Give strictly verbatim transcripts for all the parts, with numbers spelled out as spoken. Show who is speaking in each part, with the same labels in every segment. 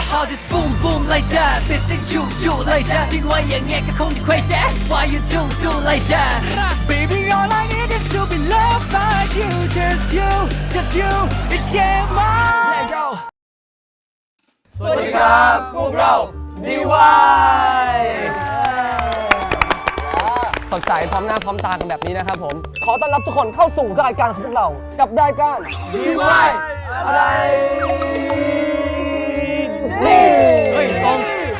Speaker 1: how this boom boom like that ไม่สิจุจุ like that ทิ้งไว้อย่างเงี้ยก็คงจะ crazy why you do do like that baby all I need is to be loved by you just you just you it's game on let go
Speaker 2: สวัสดีครับพวกเรา ดี วาย
Speaker 3: สดใสพร้อมหน้าพร้อมตากันแบบนี้นะครับผมขอต้อนรับทุกคนเข้าสู่รายการของพวกเรากับรายการ
Speaker 2: ดี วาย อะไรนี่เฮ้ยตรง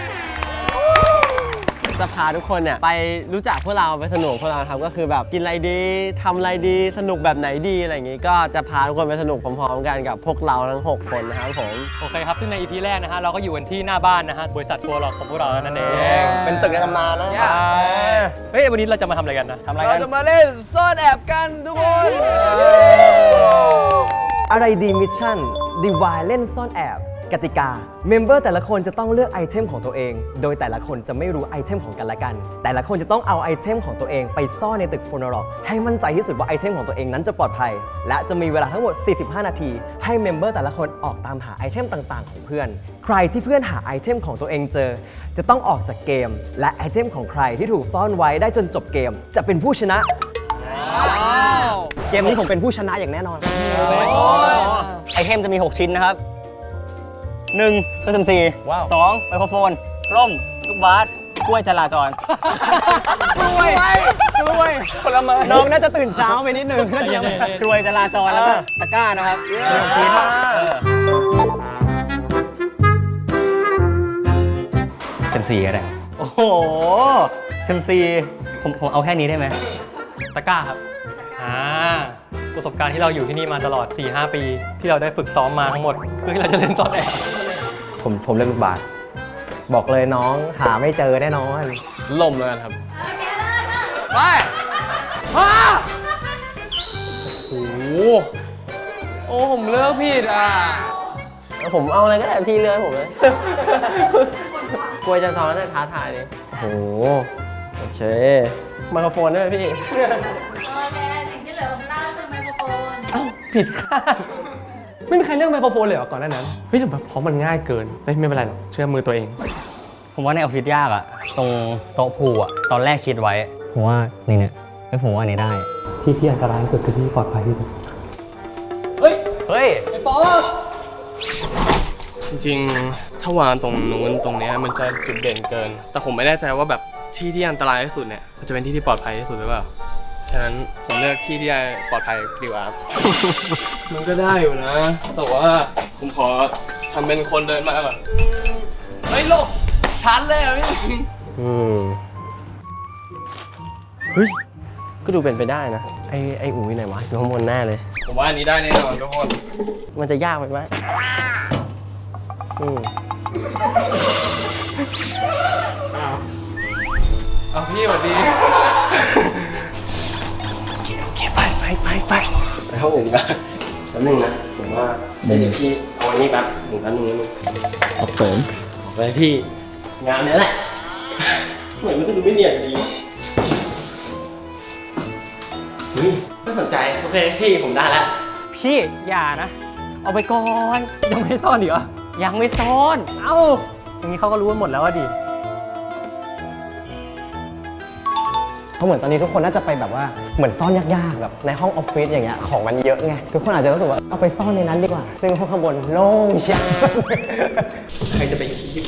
Speaker 2: จะพาทุกคนเนี่ยไปรู้จักพวกเราไปสนุกพวกเราครับก็คือแบบกินอะไรดีทำอะไรดีสนุกแบบไหนดีอะไรอย่างงี้ก็จะพาทุกคนไปสนุกพร้อมๆกันกับพวกเราทั้งหกคนนะครับผม
Speaker 4: โอเคครับซึ่งใน อี พี แรกนะฮะเราก็อยู่กันที่หน้าบ้านนะฮะบริษัททัวร์หลอกของพวกเรานั่นเอง
Speaker 2: เป็นตึกในตำนานนะ
Speaker 4: ใช่เฮ้ยวันนี้เราจะมาทำอะไรกันนะทำอะไรกัน
Speaker 2: เราจะมาเล่นซ่อนแอบกันทุกคน
Speaker 3: อะไรดีมิชชั่น ดี วาย เล่นซ่อนแอบกติกาเมมเบอร์แต่ละคนจะต้องเลือกไอเทมของตัวเองโดยแต่ละคนจะไม่รู้ไอเทมของกันและกันแต่ละคนจะต้องเอาไอเทมของตัวเองไปซ่อนในตึกโฟโนโลกให้มั่นใจที่สุดว่าไอเทมของตัวเองนั้นจะปลอดภัยและจะมีเวลาทั้งหมดสี่สิบห้านาทีให้เมมเบอร์แต่ละคนออกตามหาไอเทมต่างๆของเพื่อนใครที่เพื่อนหาไอเทมของตัวเองเจอจะต้องออกจากเกมและไอเทมของใครที่ถูกซ่อนไว้ได้จนจบเกมจะเป็นผู้ชนะเกมนี้ผมเป็นผู้ชนะอย่างแน่นอน
Speaker 4: ไอเทมจะมีหกชิ้นนะครับหนึ่งเครื่องดนตรีสองไมโครโฟนร่มลูกบาสกล้วยจราจร
Speaker 3: กล้วยกล้วยผลไม้น้องน่าจะตื่นเช้าไปนิดนึง
Speaker 4: กล้วยจราจรแล้วก็ตะกร้านะครับชิ้นเซมซีอะไรโอ้โหเซมซีผมผมเอาแค่นี้ได้ไหมตะกร้าครับอ่าประสบการณ์ที่เราอยู่ที่นี่มาตลอด สี่ห้า ปีที่เราได้ฝึกซ้อมมาทั้งหมดเพื่อที่เราจะเล่นซ่อนแอบ
Speaker 3: ผมผมเล่นลูกบาศก์บอกเลยน้องหาไม่เจอแน่นอน
Speaker 2: ล่มเลยครับไปฮะโอ้โหโอ้ผมเลือกผิดอ่ะ
Speaker 3: ผมเอาอะไรก็ได้พี่เลือกผมเลยกลัวจะซ้อนท้าทายเลยโอ้โหโอเคไมโครโฟนด้วยพี่
Speaker 4: ผิดคาดไม่มีใครเลือกไมโครโฟนเลยเหรอก่อนหน้านั้นเฮ้ยแต่เพราะมันง่ายเกินไม่ไม่เป็นไรหรอกเชื่อมือตัวเองผมว่าในออฟฟิศยากอะตรงโต๊ะพูอะตอนแรกคิดไว้ผมว่านี่เนี่ยไม่ผมว่าอันนี้ได้ที่ที่อันตรายที่สุดคือที่ปลอดภัยที่สุดเฮ้ยเฮ้ยไอ้ปอ
Speaker 2: จริงๆถ้าวางตรงนู้นตรงนี้มันจะจุดเด่นเกินแต่ผมไม่แน่ใจว่าแบบที่ที่อันตรายที่สุดเนี่ยมันจะเป็นที่ที่ปลอดภัยที่สุดหรือเปล่าฉะนั้นผมเลือกที่ที่ปลอดภัยดีกว่ามันก็ได้อยู่นะแต่ว่าผมขอทำเป็นคนเดินมาก่อนเฮ้ยโลกชันเลยอ่ะพี่
Speaker 3: อืมเฮ้ยก็ดูเป็นไปได้นะไอไออู๋ไหนวะอยู่ข้างบนแน่เลย
Speaker 2: ผมว่าอันนี้ได้แน่นอนทุกคน
Speaker 3: มันจะยากไปไหมอืม
Speaker 2: เอาพี่สวัสดี
Speaker 3: ไปไปไปไปไปห้องอื่นดีกว่าแป๊บนึงนะผมว่าเดี๋ยวพี่เอาอันนี้แป๊บหนึ่งแป๊บนึงนะมึงขอบเสริมไปพี่งานนี้แหละเหมือนมันจะดูไม่เนียนดีเฮ้ยไม่สนใจโอเคพี่ผมได้แล้ว
Speaker 4: พี่อย่านะเอาไปก่อนยังไม่ซ่อนอีกเหรอยังไม่ซ่อนเอ้าอย่างนี้เขาก็รู้กันหมดแล้วว่าดิ
Speaker 3: เพราะเหมือนตอนนี้ทุกคนน่าจะไปแบบว่าเหมือนซ่อนยากๆแบบในห้องออฟฟิศอย่างเงี้ยของมันเยอะไงทุกคนอาจจะรู้สึกว่าเอาไปซ่อนในนั้นดีกว่าซึ่งห้องข้างบนโล่งเชียว
Speaker 2: ใครจะไปคิด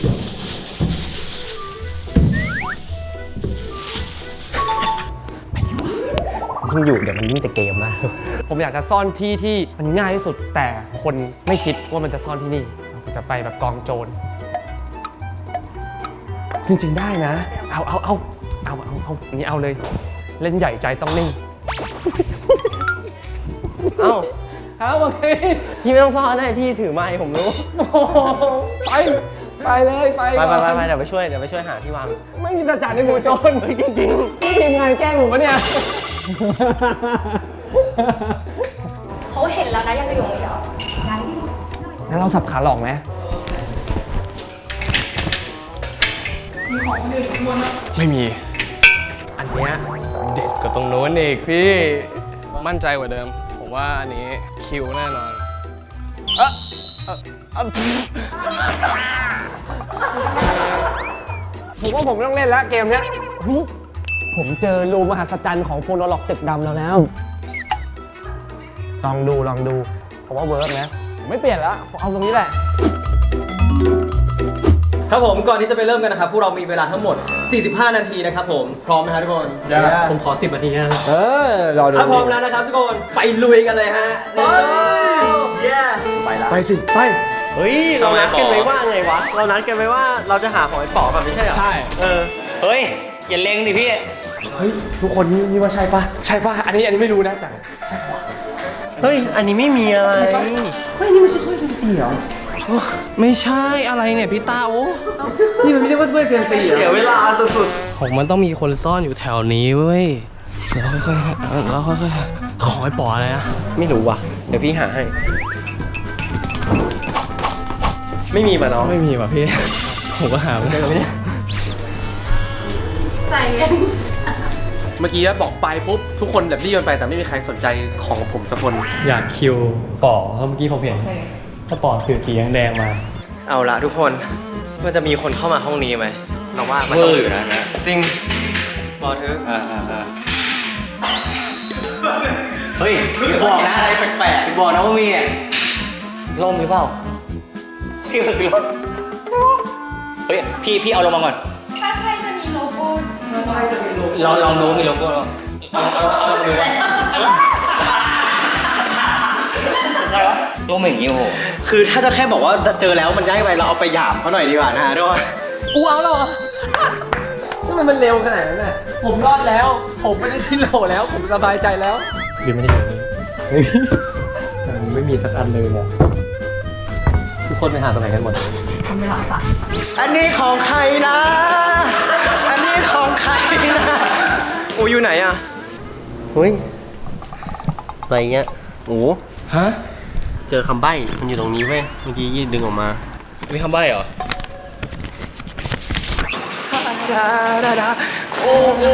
Speaker 3: ไปดีกว่ายิ่งอยู่เดี๋ยวมันยิ่งจะเกมมาก
Speaker 4: ผมอยากจะซ่อนที่ที่มันง่ายที่สุดแต่คนไม่คิดว่ามันจะซ่อนที่นี่ผมจะไปแบบกองโจรจริงๆได้นะเอาเอาเอาเอาเอาเอาอย่างนี้เอาเลยเล่นใหญ่ใจต้องนิ่ง
Speaker 3: เอ้า
Speaker 4: เอาโอเค
Speaker 3: พี่ไม่ต้องซ่อนได้พี่ถือไมค์ผมรู้
Speaker 4: ไปไปเลยไป
Speaker 3: ไปไปไปเดี๋ยวไปช่วยเดี๋ยวไปช่วยหาที่วาง
Speaker 4: ไม่มีตาจ่าในหมู่โจรจริงๆนี่ทีมงานแกล้งผมปะเนี่ย
Speaker 5: เขาเห็นแล้วนะยังจะอยู่เดียว
Speaker 4: งั้นเราสับขาหลอกไหม
Speaker 5: มีของคนอื่นข้างบนไหม
Speaker 2: ไม่มีอันเนี้ยเด็ดกว่าตรงโน้นอีกพี่มั่นใจกว่าเดิมผมว่าอันนี้คิวแน่นอนเออเออ
Speaker 4: ว่าผมไม่ต้องเล่นแล้วเกมเนี้ยผมเจอรูมหัศจรรย์ของโฟโนล็อกตึกดำแล้วแล้วลองดูลองดูผมว่าเวิร์กนะผมไม่เปลี่ยนแล้วผมเอาตรงนี้แหละ
Speaker 3: ครับผมก่อนที่จะไปเริ่มกันนะครับพวกเรามีเวลาทั้งหมดสี่สิบห้านาทีนะครับผมพร้อมไหมครับทุกคนผมขอสิบนาทีนะเออรอดูถ้าพร้อมแล้วนะครับทุกคนไปลุยกันเลยฮะไปไปแล้วไปสิไปเฮ้ยเรานัดกันไว้ว่าไงวะเรานัดกันไว้ว่าเราจะหาหอยป๋อกันไม่ใช่เหรอใช่เออ
Speaker 6: เฮ้ย อย่าเล็งดิพี่
Speaker 4: เฮ้ยทุกคนนี่นี่ว่าใช่ปะใช่ปะอันนี้อันนี้ไม่รู้นะแต่ใช่ปะ
Speaker 3: เฮ้ยอันนี้ไม่มีอะไรเฮ้ยนี่ไม่ใช่ถ้วยเซนซีเหรอ
Speaker 2: ไม่ใช่อะไรเนี่ยพี่ต้าโอ้
Speaker 4: นี่มันไม่ใช่ว่าถ้วยเซียมซีเหรอ
Speaker 3: เสียเวลาสุด
Speaker 2: ของมันต้องมีคนซ่อนอยู่แถวนี้เว้ยแล้วค่อยๆแล้วค่อยๆขอไอ้ป๋ออะไรนะ
Speaker 3: ๆไม่รู้ว่ะเดี๋ยวพี่หาให้ไม่มีมาเนาะ
Speaker 2: ไม่มีว่ะพี่ ผมก็หาไม่ได้
Speaker 5: ใส่เงิน
Speaker 7: เมื่อกี้บอกไปปุ๊บทุกคนแบบรีบกันไปแต่ไม่มีใครสนใจของผมสักคน
Speaker 4: อยากคิวป๋อเพราะเมื่อกี้ผมเห็นถ้าป๋อถือสีแดงมา
Speaker 3: เอาละทุกคนมันจะมีคนเข้ามาห้องนี้ไหมเราว่ามัน
Speaker 6: เว
Speaker 3: ต้
Speaker 6: อ
Speaker 3: อง
Speaker 6: ร์อยู่นะนะ
Speaker 3: จริงรอเธอ
Speaker 6: อ่าอ่าอ่าเฮ้ยอย่าบอกนะ
Speaker 3: อะไรแปลก
Speaker 6: อย่าบอกนะว่ามีเนี่ยล่มหรือเปล่าพี่มันคือล่มเฮ้ย พี่พี่เอาลงมาก่อน
Speaker 5: ถ้าใช่จะมีโลโก้
Speaker 6: ลองลองดูมีโลโก้ลองเอาเอาเอาเอาดูว่าล่มอย่างนี้โอ้โห
Speaker 3: ๆคือถ้าจะแค่บอกว่าเจอแล้วมันง่ายไปเราเอาไปหยามเขาหน่อยดีกว่านะฮะทุกคน
Speaker 4: อูเอาแล้วเหรอทำไมมันเร็วขนาดนั้นน่ะผมรอดแล้ว ผมไม่ได้ที่โหลแล้ว ผมสบายใจแล้วดีไม่ได้เฮ้ยมันไม่มีสักอันเลยเนี่ยทุกคนไปหาตรงไหนกันหมด
Speaker 3: อันนี้ของใครนะ อันนี้ของใครนะโอ้อยู่ไหนอ่ะเฮ้ยอะไรเงี้ยโอ้ฮะเจอคำใบ้มันอยู่ตรงนี้เว้ยเมื่อกี้ยืดดึงออกมา
Speaker 2: มีคำใบ้เหรอ
Speaker 6: โอ้โห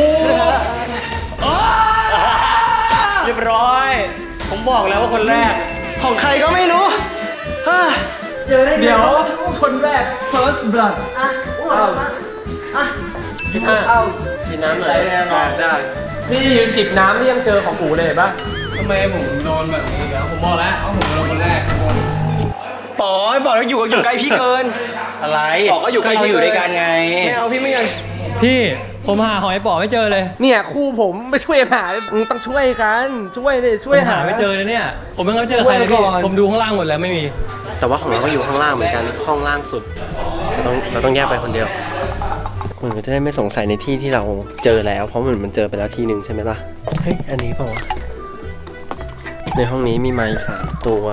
Speaker 6: เรียบร้อย ผมบอกแล้วว่าคนแรก
Speaker 3: ของใครก็ไม่รู้เฮ้ยเจอได้ไง
Speaker 4: เดี๋ยวคนแรก first blood
Speaker 3: อ่ะเอาอ่ะกินเอากินน้ำหน่อย
Speaker 4: ได้พี่ยืนจิบน้ำนี่ยังเจอของกูเลยเห็นปะ
Speaker 2: ทำไมผมโดนแบบนี้แล้วผมบอกแล้วว่าผมเป็นคนแรก
Speaker 3: ป๋อบอกแล้วอยู่กับอยู่ใกล้พี่เกิน
Speaker 6: อะไร
Speaker 3: บอกก็อยู่ใกล้
Speaker 6: เราอยู่ด้วยกันไง
Speaker 3: ไม่เอาพี่ไม่ยัง
Speaker 4: พี่ผมหาหอยป๋อไม่เจอเลย เนี่ยคู่ผมไม่ช่วยหามึงต้องช่วยกันช่วยเลยช่วยหาไม่เจอเลยเนี่ยผมยังไม่เจอใครเลยพี่ผมดูข้างล่างหมดแล้วไม่มี
Speaker 3: แต่ว่าของเราก็อยู่ข้างล่างเหมือนกันห้องล่างสุดเราต้องเราต้องแยกไปคนเดียวคุณก็จะได้ไม่สงสัยในที่ที่เราเจอแล้ว เพราะเหมือนมันเจอไปแล้วทีหนึ่งใช่ไหมล่ะเฮ้ยอันนี้เปล่าวะในห้องนี้มีไม้สามตัว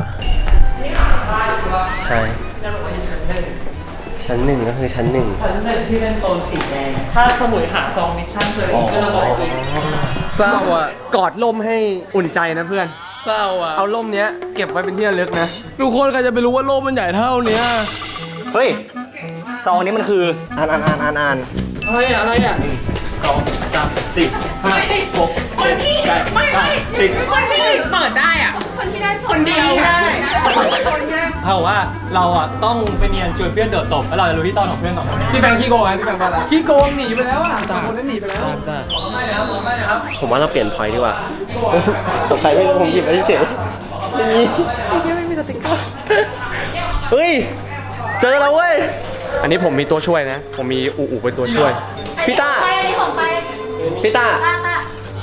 Speaker 3: ใช่ชั้นหนึ่งก็คือชั้นหนึ่ง
Speaker 4: ชั้นหนึ่งที่เป็นโซนสีแดงถ้าสมุยหาซองมิชชั่นเจออีกก็ระบอกอีก
Speaker 7: เศร้าอ่ะ
Speaker 4: กอดล่มให้อุ่นใจนะเพื่อน
Speaker 7: เศร้าอ่ะ
Speaker 4: เอาล่มเนี้ยเก็บไว้เป็นที่ระลึกนะ
Speaker 2: ทุกคนใครจะไปรู้ว่าโลกมันใหญ่เท่าเนี้ย
Speaker 3: เฮ้ย
Speaker 6: ซองนี้มันคือ
Speaker 3: อ่านอ่านอ่านอ่านอ่าน
Speaker 4: อะไรอะอะไรอะ
Speaker 6: สองสามสี่ห้าหก
Speaker 5: คนที่ไม่ไม่คนที่เปิดได้อ่ะ คนที่ได้คนเดียวได้คนแรก
Speaker 4: เขาบอกว่าเราอ่ะต้องไปเนียนชวนเพื่อนโดดตบแล้วเราจะรู้ที่ซ่อนของเพื่อนก่อน
Speaker 7: พี่แฟงขี้โกงไหมพี่แฟงบ้าละ
Speaker 4: ขี้โกงหนีไปแล้วอ่ะต่างคนนั้นหนีไปแล้วไม่นะครับไม่นะครับ
Speaker 3: ผมว่าเราเปลี่ยนพอยต์ดีกว่าผมใครไม่รู้ผมหยิบไปเฉยไม่มีไม่มีสติ๊กเกอร์เฮ้ยเจอแล้วเว้ย
Speaker 7: อันนี้ผมมีตัวช่วยนะ ผมมีอูอูเป็นตัวช่วย
Speaker 3: พี่ต้า
Speaker 5: ไปอันนี้ของไป
Speaker 3: พี่ต้า
Speaker 5: ตาตา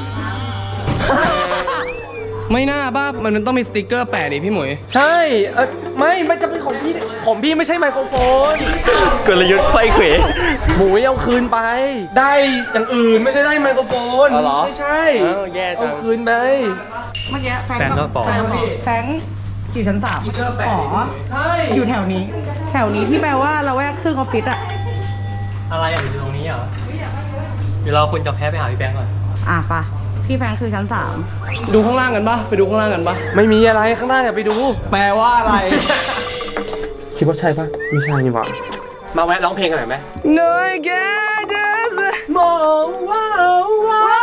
Speaker 2: ไม่น่าบ้ามันต้องมีสติกเกอร์แปะดิพี่หมวย
Speaker 4: ใช่เออไม่ไม่จะเป็นของพี่ของพี่ไม่ใช่ไมโครโฟน
Speaker 3: กลยุทธ์ไฟเขว
Speaker 4: หมูเอาคืนไป ได้อย่างอื่นไม่ใช่ได้ไมโครโฟน
Speaker 3: อ๋อเหรอ
Speaker 4: ไม่ใช่
Speaker 3: อ้าวแย่จัง
Speaker 4: เอาคืนไป
Speaker 8: เมื่อกี้แฟง
Speaker 4: แฟงก็
Speaker 8: ก็
Speaker 4: บอก
Speaker 8: แฟงบอกแฟงอยู่ชั้นสามอ๋อ
Speaker 4: ใช่
Speaker 8: อยู่แถวนี้ แถวนี้ที่แปลว่าเราแวกครึ่งออฟฟิศอะ
Speaker 4: อะไรอ่ะอยู่ตรงนี้เหรอเดี๋ยวเราคุณจะแพ้ไปหาพี่แบงค์ก่อน
Speaker 8: อ่ะปะพี่แฟงคือชั้นสาม
Speaker 2: ดูข้างล่างกันปะไปดูข้างล่างกันปะ
Speaker 4: ไม่มีอะไรข้างหน้าอย่าไปดู
Speaker 2: แปลว่าอะไร
Speaker 4: คิดว่าใช่ปะไม่ใช่นี่หว่ามาแวะร้องเพลงกันหน่อยไหม
Speaker 2: No I get it
Speaker 4: มองว้าวว้าว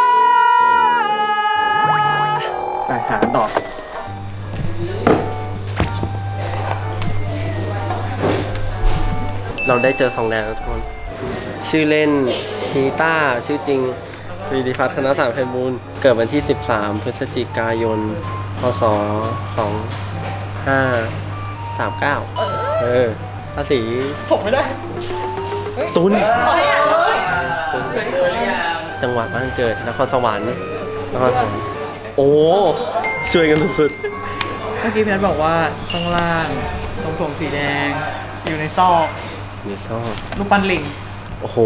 Speaker 4: ไปหาต่อ
Speaker 3: เราได้เจอทองแดงแล้วทุกคน
Speaker 9: ชื่อเล่นชีต้าชื่อจริงปรีดีพัฒนสารไพบูลย์เกิดวันที่ สิบสาม พฤศจิกายน พศ สองห้าสามเก้า เออภาษีผมไม่ได้ ตุนตุนจังหวัดบ้านเกิดนครสวรรค์นครสวรรค์โอ้ช่วยกันสุด
Speaker 10: เมื่อกี้พี่นัทบอกว่าข้างล่างตรงถุงสีแดง อยู่ในซอก
Speaker 9: ๆมีซอก
Speaker 10: รูปปั้นลิง
Speaker 9: โอ้โห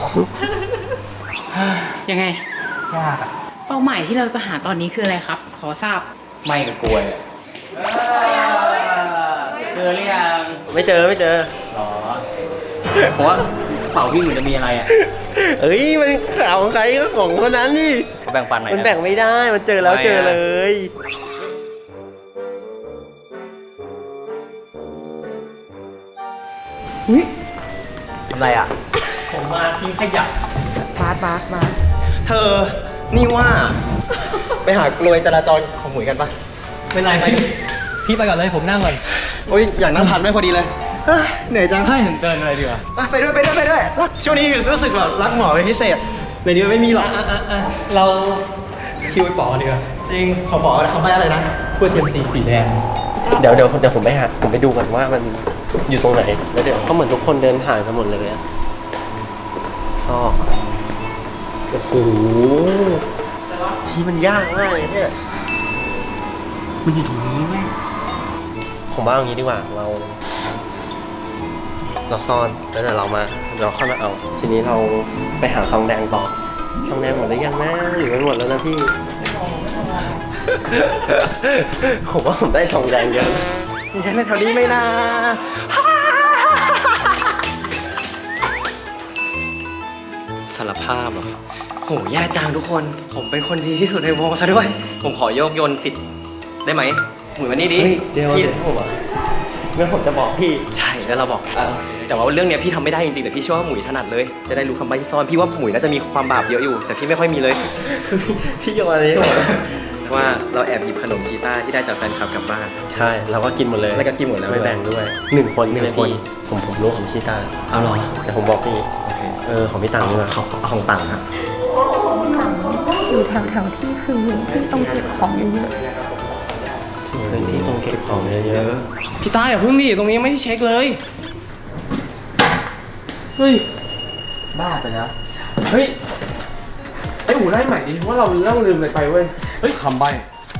Speaker 5: ยังไง
Speaker 10: ยากอะ
Speaker 5: เป้าหมายที่เราจะหาตอนนี้คืออะไรครับ ขอทราบ
Speaker 6: ไม่กับกลวยอะเจอหรือยัง
Speaker 9: ไม่เจอไม่เจอ
Speaker 6: หรอเพราะว่าเป่าพี่เหมือนจะมีอะไรอ่ะ
Speaker 9: เอ้ยมันข่าวของใครก็ของคนนั้นนี่
Speaker 6: เขาแบ่งปันไหน
Speaker 9: มันแบ่งไม่ได้ มันเจอแล้วเจอเลย ทำไรอ่ะ
Speaker 10: ผมมาทิ้งขยะ
Speaker 8: บาสบาสบาส
Speaker 3: เธอ นี่ว่า ไปหากลวยจราจรของหมุยกันปะ
Speaker 4: เป็นไรไปพี่ไปก่อนเลยผมนั่งก่อน
Speaker 3: โอ้ยอยากนั่งพักด้วยพอดีเลยเฮ้ยเหนื่อยจัง
Speaker 4: ให้ผมเดินอะไรดีกว่า
Speaker 3: อ่ะไปด้วยไปด้วยไปด้วยรักช่วงนี้รู้สึกแบบรักหมอเป็นพิเศษในนี้มันไม่มีหรอก
Speaker 4: เราคิวไปปอดีกว่า
Speaker 3: จริงขอบอกนะเขาไปอะไรนะ
Speaker 4: ถ้วยเทียมสีสีแดง
Speaker 9: เดี๋ยวเดี๋ยวเดี๋ยวผมไปหาผมไปดูก่อนว่ามันอยู่ตรงไหน แล้วเดี๋ยวก็เหมือนทุกคนเดินห่างกันหมดเลยอะซอกโอ้โหที่มันยากมากเลยเนี่ย มันอยู่ตรงนี้ไหมผมว่าเอางี้ดีกว่า เรา เราซ่อนแล้วเดี๋ยวเรามาเราค่อยมาเอา ทีนี้เราไปหาซองแดงต่อซองแดงหมดหรือยังนะหรือไม่หมดแล้วนะพี่ ผมว่าผมได้ซองแดงเยอะมีใครในแถวนี้ไหมนะสารภาพเหรอโหแย่จังทุกคน ผมเป็นคนดีที่สุดในวงซะด้วย ผมขอโยกโยนสิทธิ์ได้ไหมหมุนมานี่ดิเดี๋ยว
Speaker 3: พี่
Speaker 9: เดี๋ยวผมอ่ะ
Speaker 3: เมื่อผมจะบอกพี่ใช่แล้วเราบอกกันแต่ว่าเรื่องเนี้ยพี่ทำไม่ได้จริงๆแต่พี่เชื่อว่าหมุยถนัดเลย จะได้รู้คำใบ้ที่ซ่อนพี่ว่าหมุยน่าจะมีความบาปเยอะอยู่ แต่พี่ไม่ค่อยมีเลย พี่โยนอะไรให้ผมว่าเราแอบหยิบขนมชีต้าที่ได้จากแฟนคลับกลับบ้านใช่เราก็กินหมดเลยแล้วก็กินหมดแล้วไม่แบ่งด้วยหนึ่งคนหนึ่งคนผมผมรู้ของชีต้าเอาหรอแต่ผมบอกพี่เออของพี่ตังค์ด้วยของของตังค์ฮะ
Speaker 8: อยู่แถวแถวๆที่คือที่ต้องเก็บของเยอะ
Speaker 9: พื้นที่ตรงเก็บของเยอะ
Speaker 2: พี่ตาอย่าเพิ่งดิตรงนี้ยังไม่ได้เช็คเลย เฮ้ย บ้าไปแล้ว เฮ้ย ไออู่ไล่ใหม่ดิว่าเราเล่าลืมอะไรไปเว้ย เฮ้ยคำใบ้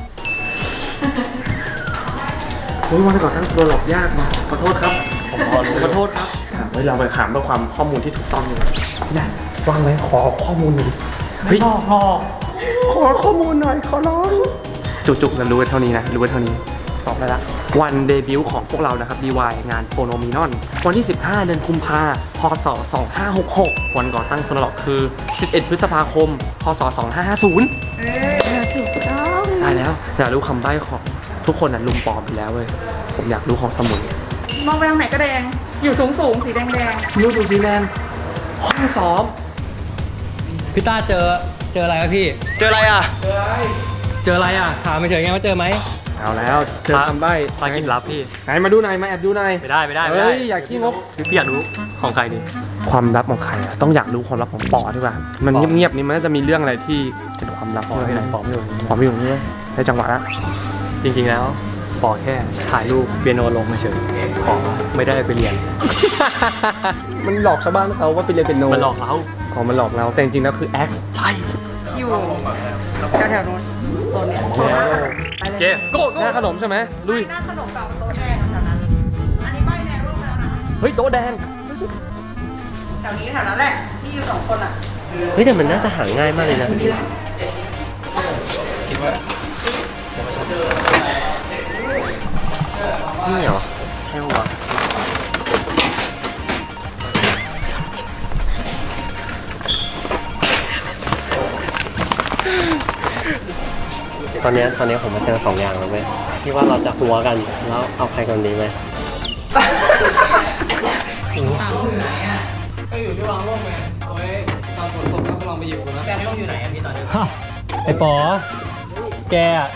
Speaker 2: โอ้ยวันก่อนตั้งตัวหลอกยากมาขอโทษครับ ผมขอขอโทษครับเฮ้ยเราไปถามเพื่อความข้อมูลที่ถูกต้องเลยนะวางไว้ขอข้อมูลหน่อยเฮ้ย
Speaker 10: ขอขอข้อมูลหน่อยขอร้อง
Speaker 2: จุกๆเรารู้ไว้เท่านี้นะรู้ไว้เท่านี้ตอบได้ละวันเดบิวต์ของพวกเรานะครับ ดี วาย งานโฟโนมินอนวันที่สิบห้าเดือนกุมภาพศสองห้าหกหกวันก่อตั้งโฟโนล็อกคือสิบเอ็ดพฤษภาคมพศสองห้าห้าศูนย์
Speaker 8: ๆเออถูกต้อง
Speaker 2: ได้แล้วอยากรู้คำใบ้ของทุกคนน่ะลุมปลอมไปแล้วเว้ยผมอยากรู้ของสมุน
Speaker 8: มองไปทางไหนก็แดง อยู่สูงสูงๆสีแดงแดง
Speaker 2: รู้สูสีแลนด์ห้องซ้อม
Speaker 4: พี่ต้าเจอเจออะไรครับพี่
Speaker 3: เจออะไรอ่ะ
Speaker 4: เจออะไรอ่ะถามไปเฉยไงว่าเจอไหม
Speaker 2: เอาแล้วเจอคำใบ้
Speaker 4: ปากินลับพี่
Speaker 2: ไหนมาดูหน่อยมาแอบดูหน่อย
Speaker 4: ไม่ได้ไม่ได้ไม่ได้
Speaker 2: เฮ้ยอยากขี้งก
Speaker 4: พี่อยากรู้ของใครดี
Speaker 2: ความลับของใครอะต้องอยากรู้ความลับของปอดีกว่า มัน
Speaker 4: ปอ
Speaker 2: เงียบๆนี่มันน่าจะมีเรื่องอะไรที่เป็นความลับ
Speaker 4: ปอที่ไหนปอไม่รู้
Speaker 2: ปอไม่อยู่นี่ได้จังหวะละ
Speaker 4: จริงๆแล้วปอแค่ถ่ายรูปเปียโนลงมาเฉยปอไม่ได้ไปเรียน
Speaker 2: มันหลอกชาวบ้านเขาว่าไปเรียนเป็นโน
Speaker 4: มันหลอกเรา
Speaker 2: อ๋อมันหลอกเราแต่จริงๆแล้วคือแอคใช่
Speaker 8: ๆอยู่แถวแถวๆนู้นโซนเนี้ยโซนหน้าขนมไปเลย
Speaker 2: เจ๊โก้หน้าขนมใช่ไหมลุย
Speaker 8: หน้าขนมกับโต๊ะแดงแถวนั้น อันนี้ใบแดงรูปแล้วนะ
Speaker 2: เฮ้ยโต๊ะแดง
Speaker 8: แถวนี้แถวนั้นแหละ ที่อยู่สองคนอ่ะ
Speaker 9: เฮ้ยแต่มันน่าจะหาง่ายมากเลยนะนี่เหรอใช่ปะวะตอนเนี้ยตอนเนี้ยผมมาเจอสองอย่างแล้วไหมที่ว่าเราจะหัวกันแล้วเอาใครกันดีไหม
Speaker 2: ก็อยู่ที่วางร่มไงเอาไว้ตอนฝนตกก็ลองไปหยิบกันนะแกร่มอยู่ไหนอะพี่ตอนนี้
Speaker 4: ไอ้ปอแกอะ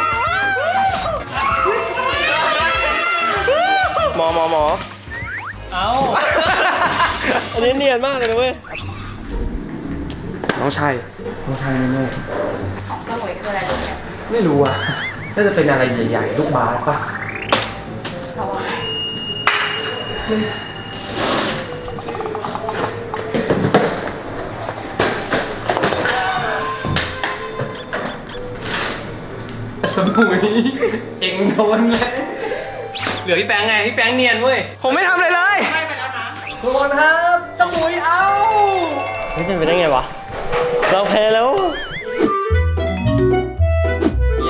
Speaker 9: หมอหมอหมอ
Speaker 4: เอา
Speaker 3: อันนี้เนียนมากเลยนะเว้ย
Speaker 7: น้องชายน้องชายแน่
Speaker 5: ของสมุยคืออะไรลูกเนี่ย
Speaker 7: ๆไม่รู้อ่ะ น่าจะเป็นอะไรใหญ่ๆ ลูกบาสป่ะ
Speaker 5: เพราะว่า
Speaker 7: สมุย เอ็งโดนเลย
Speaker 4: เหลือพี่แฟงไง พี่แฟงเนียนเว้ย
Speaker 3: ผมไม่ทำอะไรเลย
Speaker 7: ทุกคนครับสมุยเอา
Speaker 3: เฮ้ยเป็นไปได้ไงวะ เราแพ้แล้ว
Speaker 7: เย้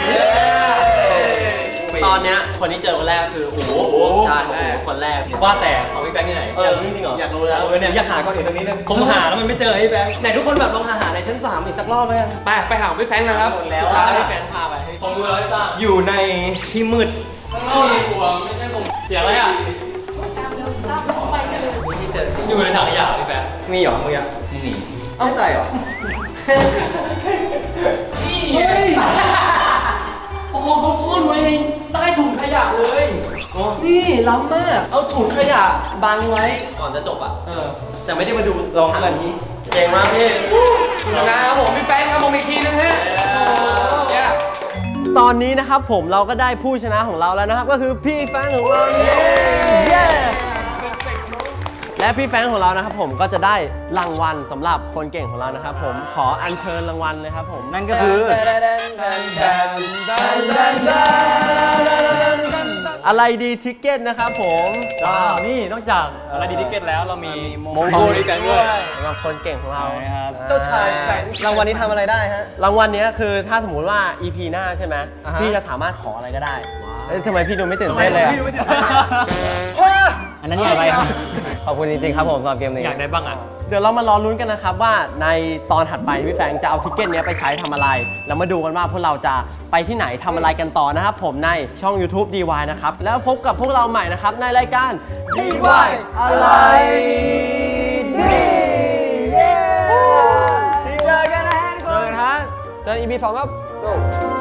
Speaker 3: ตอนเนี้ยคนที่เจอคนแรกคือโอ้โหใช่โอ้โหคนแรก
Speaker 4: ว่าแต่ของพี่แฟงที่ไหน
Speaker 3: เออจริงๆเหรอ อยากรู้แล้ว
Speaker 4: เออเนี่ย
Speaker 3: อยากหาก่อนอีกตรงนี้นึง
Speaker 4: ผมหาแล้วมันไม่เจอพี่แฟง
Speaker 3: ไหนทุกคนแบบลองหาหาในชั้นสามอีกสักรอบไหมกัน
Speaker 7: ไปไปหาพี่แฟงกันครับ
Speaker 3: แล้ว
Speaker 7: สุดท้าย
Speaker 3: ให้แฟนพาไป
Speaker 4: ผมดูแล้วพี่ตั้ง
Speaker 3: อยู่ในที่มืด
Speaker 2: ข้างนอกมีหัวไม่ใช่ผม
Speaker 4: เสียงอะไรอ่ะ
Speaker 3: ที่เจอ
Speaker 4: อยู่ในถังขยะพี่แฟง
Speaker 3: มีเหรอมึงยังไม่มีไม่ใจเหรอ
Speaker 4: โอ้โหเขาซ่อนไว้ในใต้ถุงขยะเลย นี่ล้ำมาก เอาถุงขยะบังไว้
Speaker 3: ก่อนจะจบอ่ะ
Speaker 4: เออ
Speaker 3: แต่ไม่ได้มาดูลองกันนี้เก่งมากพี่
Speaker 7: นะครับผมพี่แฟงครับผมอีกทีนึงฮะเย้
Speaker 3: ตอนนี้นะครับผมเราก็ได้ผู้ชนะของเราแล้วนะครับ ก็คือพี่แฟนของเราเย้และพี่แฟนของเรานะครับผมก็จะได้รางวัลสำหรับคนเก่งของเรานะครับผมขออัญเชิญรางวัลเลยครับผมนั่นก็คืออะไรดีทิกเก็ตนะครับผมก็
Speaker 4: นี่นอกจากอะไรดีทิเก็ตแล้วเรามี
Speaker 3: มงกุฎด้วยสำหรับคนเก่งของเรา
Speaker 4: ครับ
Speaker 7: เจ้าชายแฟง
Speaker 3: รางวัลนี้ทำอะไรได้ฮะรางวัลนี้คือถ้าสมมุติว่า อี พี หน้าใช่ไหมพี่จะสามารถขออะไรก็ได้เอ้ยทำไมพี่ดูไม่ตื่นเต้นเลยอะ
Speaker 4: พี่ดูไม่ตื่นเต้น อันนั้นอยากอะไรครับ
Speaker 3: ขอบคุณจริงๆครับผมสำหรับเกมนี้
Speaker 4: อยากได้บ้างอ่ะ
Speaker 3: เดี๋ยวเรามารอลุ้นกันนะครับว่าในตอนถัดไปพี่แฟงจะเอาทิกเก็ตเนี้ยไปใช้ทำอะไร แล้วมาดูกันว่าพวกเราจะไปที่ไหนทำอะไรกันต่อนะครับผมในช่อง YouTube ดี วาย นะครับ แล้วพบกับพวกเราใหม่นะครับในรายการ ดี วาย อะไรดีเย้เจอกันนะทุกคน
Speaker 7: เจอกันฮะเจอ อี พี สองครับ